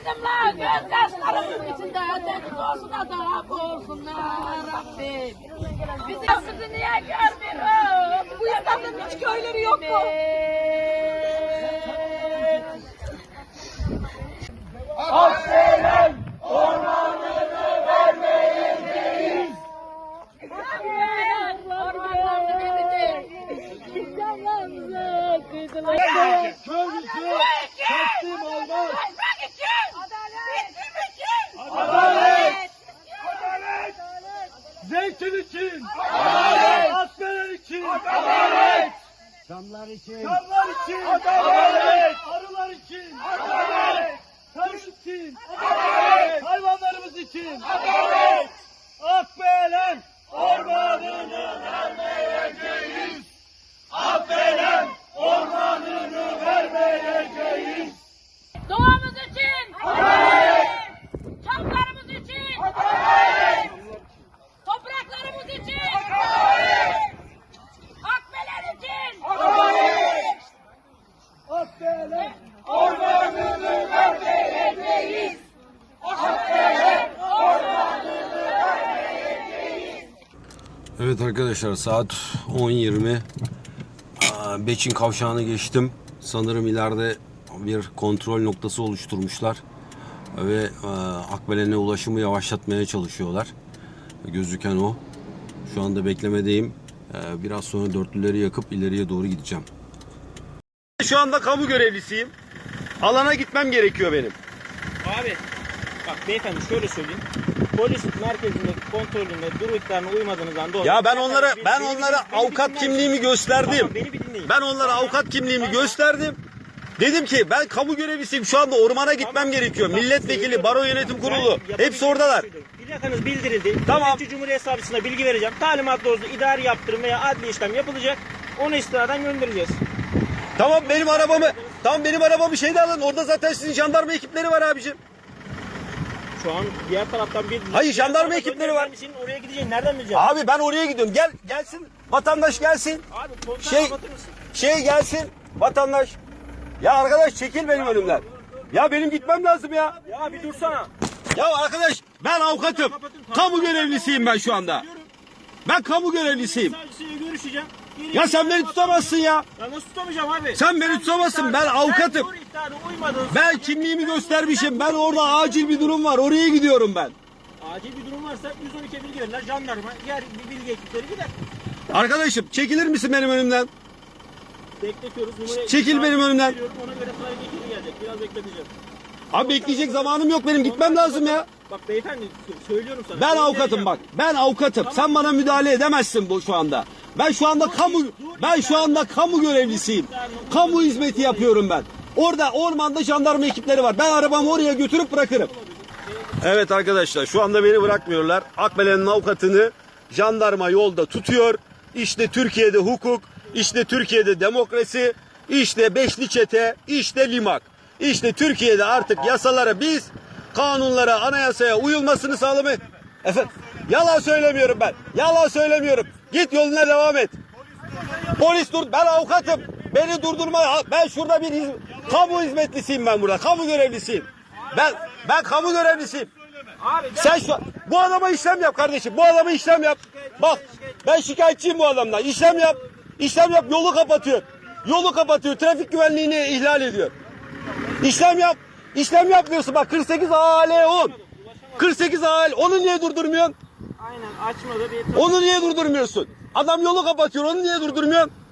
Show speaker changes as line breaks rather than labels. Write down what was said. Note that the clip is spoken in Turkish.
Kızımla göz yaşlarımın içinde öteki olsun da olsunlar Rabbim. Bizi niye görmüyoruz? Bu İstanbul'un hiç köyleri yok mu?
Akbelen ormanını vermeyeceğiz.
Ormanlarını vereceğiz. İnsanlarımıza kıydılar.
Köylüsü teslim olmaz.
Adalet!
Adalet! Zeytin için! Adalet! Akbelen için! Adalet!
Çamlar için,
Çamlar için! Adalet! Arılar için! Adalet! Tarım için! Adalet! Hayvanlarımız için! Adalet! Akbelen ormanını vermeyeceğiz! Akbelen ormanını vermeyeceğiz!
Doğamız için! Adalet! Çamlarımız için! Adalet! Topraklarımız için! Adalet! Akbelen için!
Adalet! Akbelen ormanını vermeyeceğiz! Akbelen ormanını vermeyeceğiz!
Evet arkadaşlar, saat 10:20. Beçin kavşağını geçtim. Sanırım ileride bir kontrol noktası oluşturmuşlar ve Akbelen'e ulaşımı yavaşlatmaya çalışıyorlar. Gözüken o. Şu anda beklemedeyim. Biraz sonra dörtlüleri yakıp ileriye doğru gideceğim.
Şu anda kamu görevlisiyim. Alana gitmem gerekiyor benim.
Abi bak beyefendi şöyle söyleyeyim. Polis merkezindeki kontrolünde dur ihtarına uymadığınızdan dolayı.
Ya ben onlara
Beni
avukat
dinler
kimliğimi
misiniz?
gösterdim.
Tamam, beni bir dinleyin.
Ben onlara avukat kimliğimi gösterdim. Dedim ki ben kamu görevlisiyim. Şu anda ormana gitmem gerekiyor. Milletvekili, baro yönetim kurulu hepsi oradalar.
Plakanız bildirildi.
Tamam.
Devletçi Cumhuriyet Savcısına bilgi vereceğim. Talimat doğrultusunda idari yaptırım veya adli işlem yapılacak. Onu istinaden göndereceğiz.
Tamam benim arabamı şeyde alın. Orada zaten sizin jandarma ekipleri var abicim.
Şu an diğer taraftan bir...
Hayır, jandarma
diğer
ekipleri var.
Senin oraya gideceğin nereden bileceğim?
Abi ben oraya gidiyorum. Gelsin. Vatandaş gelsin.
Abi komutan
Şey-
kapatır mısın?
Gelsin. Vatandaş. Ya arkadaş çekil benim önümden. Ya benim gitmem lazım ya.
Ya bir dursana.
Ya arkadaş ben avukatım. Kamu görevlisiyim ben şu anda. Ben kamu görevlisiyim.
Savcısıyla görüşeceğim.
Ya sen beni tutamazsın ya.
Ya nasıl tutamayacağım abi?
Sen beni tutamazsın. Ben avukatım.
Dur ihtarına uymadın.
Ben kimliğimi göstermişim. Ben orada acil bir durum var. Oraya gidiyorum ben.
Acil bir durum varsa 112'ye bilgi verirler. Jandarma, diğer bir bilgi ekipleri gider.
Arkadaşım çekilir misin benim önümden?
Bekletiyoruz. Numarayı
Çekil benim önümden.
veriyorum, ona göre sıraya geçiri gelecek. Biraz bekleteceğim.
Abi bekleyecek zamanım yok benim. Gitmem lazım ya.
Bak beyefendi söylüyorum sana.
Ben avukatım bak. Ben avukatım. Sen bana müdahale edemezsin bu şu anda. Ben şu anda kamu görevlisiyim. Kamu hizmeti yapıyorum ben. Orada ormanda jandarma ekipleri var. Ben arabamı oraya götürüp bırakırım. Evet arkadaşlar, şu anda beni bırakmıyorlar. Akbelen'in avukatını jandarma yolda tutuyor. İşte Türkiye'de hukuk, işte Türkiye'de demokrasi, işte beşli çete, işte limak. İşte Türkiye'de artık yasalara biz, kanunlara, anayasaya uyulmasını sağlamaya... Efendim, yalan söylemiyorum ben. Yalan söylemiyorum. Git yoluna devam et. Polis dur, ben avukatım. Beni durdurma. Ben şurada bir kamu hizmetlisiyim ben burada. Kamu görevlisiyim. Ben kamu görevlisiyim. Sen bu adama işlem yap kardeşim. Bu adama işlem yap. Bak ben şikayetçiyim bu adamdan. İşlem yap. İşlem yap, yolu kapatıyor. Yolu kapatıyor. Trafik güvenliğini ihlal ediyor. İşlem yap. İşlem yapmıyorsun. Bak 48 AL 10. 48 AL. Onu niye durdurmuyorsun?
Aynen açmadı bir...
Onu niye durdurmuyorsun? Adam yolu kapatıyor. Onu niye durdurmuyorsun?